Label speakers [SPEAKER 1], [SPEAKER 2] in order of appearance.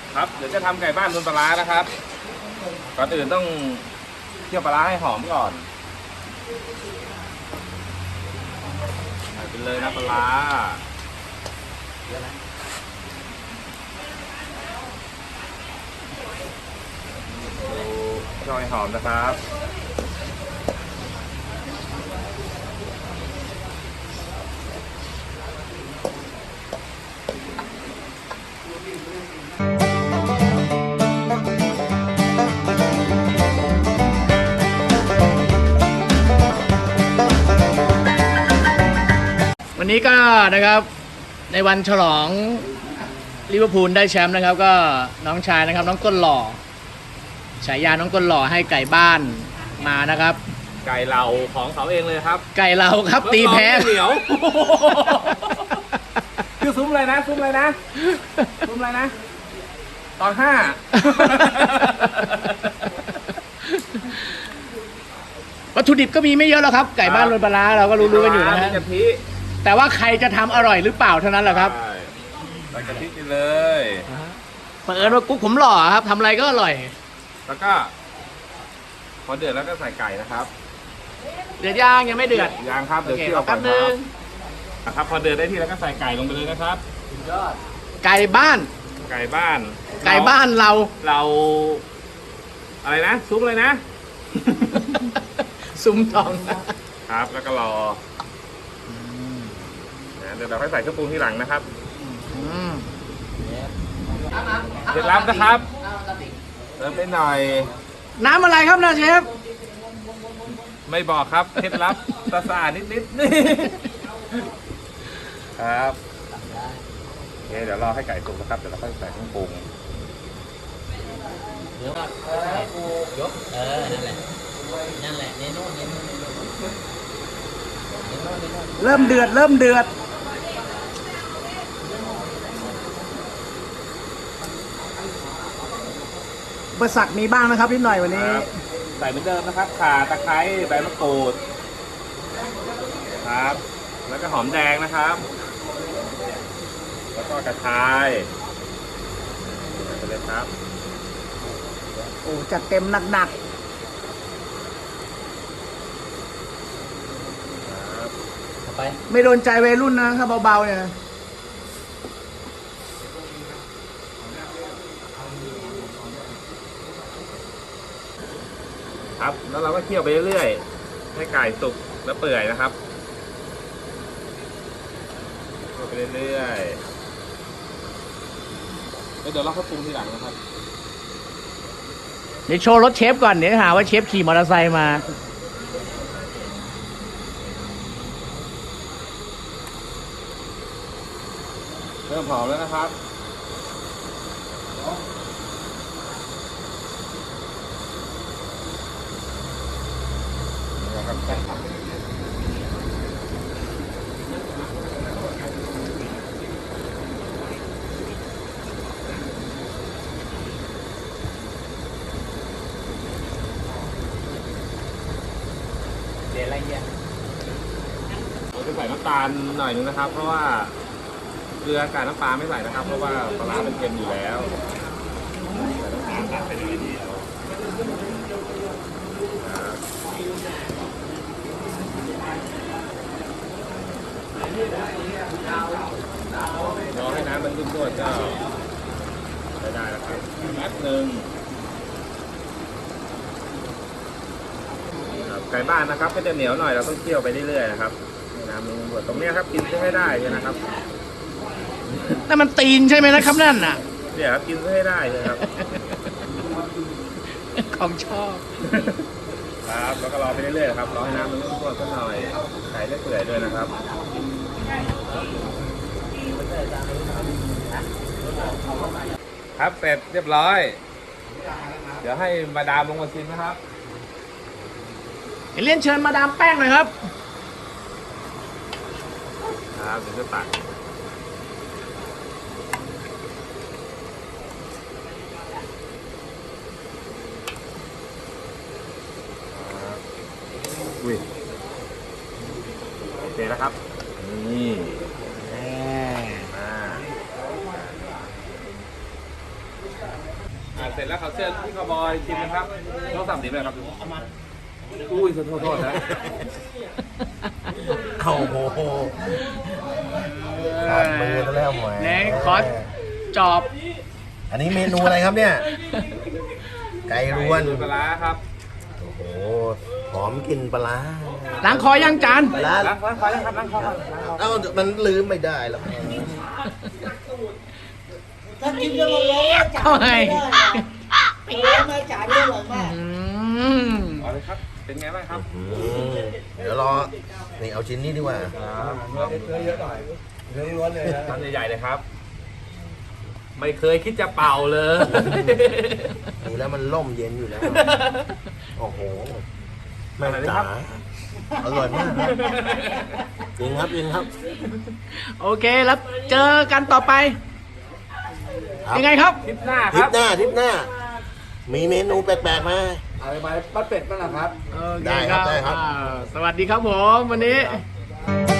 [SPEAKER 1] ครับเดี๋ยวจะทำไก่บ้านบนปลาร้านะครับก่อนอื่นต้องเคี่ยวปลาร้าให้หอมก่อนใส่ไปเลยนะปลาร้าช่อยหอมนะครับ
[SPEAKER 2] วันนี้ก็นะครับในวันฉลองลิเวอร์พูลได้แชมป์นะครับก็น้องชายนะครับน้องต้นหล่อฉายาน้องต้นหล่อให้ไก่บ้านมานะครับ
[SPEAKER 1] ไก่เหล่าของเขาเองเลยครับ
[SPEAKER 2] ไก่เราครับตีแพ้
[SPEAKER 1] เหนียวคือซุ้มอะไรนะซุ้มอะไรนะซุ้มอะไรนะตอน5
[SPEAKER 2] วัตถุดิบก็มีไม่เยอะแล้วครับไก่บ้านโรยปลาร้าเราก็รู้ๆกันอยู่นะฮะแต่ว่าใครจะทำอร่อยหรือเปล่าเท่านั้นแหละครับ
[SPEAKER 1] ใส่กะทิไปเลย
[SPEAKER 2] เปิดว่ากุ๊กผมหล่อครับทำอะไรก็อร่อย
[SPEAKER 1] แล้วก็พอเดือดแล้วก็ใส่ไก่นะครับ
[SPEAKER 2] เดือดยังไม่เดือด
[SPEAKER 1] ยังครับเดี๋ยวเคี่ยวก่อนครับพอเดือดได้ที่แล้วก็ใส่ไก่ลงไปเลยนะครับ
[SPEAKER 2] ไก่บ้าน
[SPEAKER 1] เราอะไรนะซุปเลยนะ
[SPEAKER 2] ซุ้มทอง
[SPEAKER 1] ครับแล้วก็รอเดี๋ยวเราค่อยใส่เครื่องปรุงทีหลังนะครับเคล็ดลับนะครับเติมไปหน่อย
[SPEAKER 2] น้ำอะไรครับนะเชฟ
[SPEAKER 1] ไม่บอกครับเคล็ดลับสะอาดนิดครับโอเคเดี๋ยวรอให้ไก่สุกนะครับเดี๋ยวเราค่อยใส่เครื่องปรุง
[SPEAKER 2] เดี๋ยวยกนั่นแหละเนโน่เริ่มเดือดอุปสรรคมีบ้างนะครับนิดหน่อยวันนี้
[SPEAKER 1] ใส่เหมือนเดิมนะครับข่าตะไคร้ใบมะกรูดครับแล้วก็หอมแดงนะครับแล้วก็กระชายไปเลยครับ
[SPEAKER 2] โอ้จัดเต็มหนักไปไม่โดนใจวัยรุ่นนะครับเบาๆเนี่ย
[SPEAKER 1] ครับแล้วเราก็เคี่ยวไปเรื่อยๆให้ไก่สุกและเปื่อยนะครับเคี่ยวไปเรื่อยๆแล้วเดี๋ยวเราเข้าปรุงทีหลังนะครับ
[SPEAKER 2] เดี๋ยวโชว์รถเชฟก่อนเดี๋ยวหาว่าเชฟขี่มอเตอร์ไซค์มา
[SPEAKER 1] เริ่มหอมแล้วนะครับเราจะใส่น้ำตาลหน่อยนึงนะครับเพราะว่าเกลือกับน้ำปลาไม่ใส่นะครับเพราะว่าปลาร้าเป็นเค็มอยู่แล้วใส่น้ำตาลตัดไปเลยทีเดียวรอให้น้ำมันขึ้นๆก็ได้แล้วครับแป๊บนึงไก่บ้านนะครับก็จะเหนียวหน่อยเราต้องเคี่ยวไปเรื่อยๆนะครับน้ำมันบดตรงนี้ครับกินให้ได้ใช่นะครับ
[SPEAKER 2] นั่นมันตีนใช่ไหมนะครับนั่นน่ะ
[SPEAKER 1] เนี่ยครับกินให้ได้เลยครับ
[SPEAKER 2] ของชอบ
[SPEAKER 1] ครับแล้วก็รอไปเรื่อยๆครับรอให้น้ำมันข้นๆสักหน่อยไก่ได้เปื่อยด้วยนะครับครับเสร็จเรียบร้อยเดี๋ยวให้มาดามลงมาชิมนะครับ
[SPEAKER 2] เรียนเชิญมาดามแป้งหน่อยครับ
[SPEAKER 1] ครับเดี๋ยวจะตักอุ้ยโอเคแล้วครับนี่เสร็จแล้วเขาเชิญพี่คาวบอยชิมนะครับต้องสั่งดีไหมครับอุ้ยโทษนะ
[SPEAKER 3] โอ้โหขาดมือซะแล้วหมวย
[SPEAKER 2] ไหนขอจอบ
[SPEAKER 3] อันนี้เมนูอะไรครับเนี่ย ไก่รวน
[SPEAKER 1] ปลาร้าครับ
[SPEAKER 3] โอ้โห หอมกลิ่นปลาร้า
[SPEAKER 2] ล้างคอยังจาน
[SPEAKER 3] ปลาร้า
[SPEAKER 1] ล้างคอยังครับล้างคอครับ
[SPEAKER 3] เอ้ามันลืมไม่ได้แล้ว
[SPEAKER 4] ถ้ากินก็มาร้องจ่าย
[SPEAKER 2] เข้าไง
[SPEAKER 4] ไม่ได้ร้องมาจ่ายได้หรอกมาก
[SPEAKER 2] อืม
[SPEAKER 1] เอาเลยครับเป็นไงบ้างครับ
[SPEAKER 3] อืมเดี๋ยวรอ นี่เอาชิ้นนี้ดีกว่า
[SPEAKER 1] ทำใหญ่ๆเลยครับ ไม่เคยคิดจะเป่าเลย
[SPEAKER 3] ดูแล้วมันล่มเย็นอยู่แล้ว โอ้โห แม่
[SPEAKER 1] อะไรนะครั
[SPEAKER 3] จ๋า
[SPEAKER 1] บ
[SPEAKER 3] อร่อยมากครับจริงครับจริงครับ
[SPEAKER 2] โอเคแล้วเจอกันต่อไป
[SPEAKER 3] ครับ
[SPEAKER 2] ยังไงครับ
[SPEAKER 1] คลิปหน้า
[SPEAKER 3] ท
[SPEAKER 1] ค
[SPEAKER 3] ริ
[SPEAKER 1] รั
[SPEAKER 3] ป
[SPEAKER 1] บ
[SPEAKER 3] หน้าทริปหน้า มีเมนูแปลกๆมา
[SPEAKER 1] อะไรไปปัดเป็ดบ้างนะครับ
[SPEAKER 2] โอเค
[SPEAKER 3] ได้ครับได้ครับ
[SPEAKER 2] สวัสดีครับผมวันนี้
[SPEAKER 3] ครับ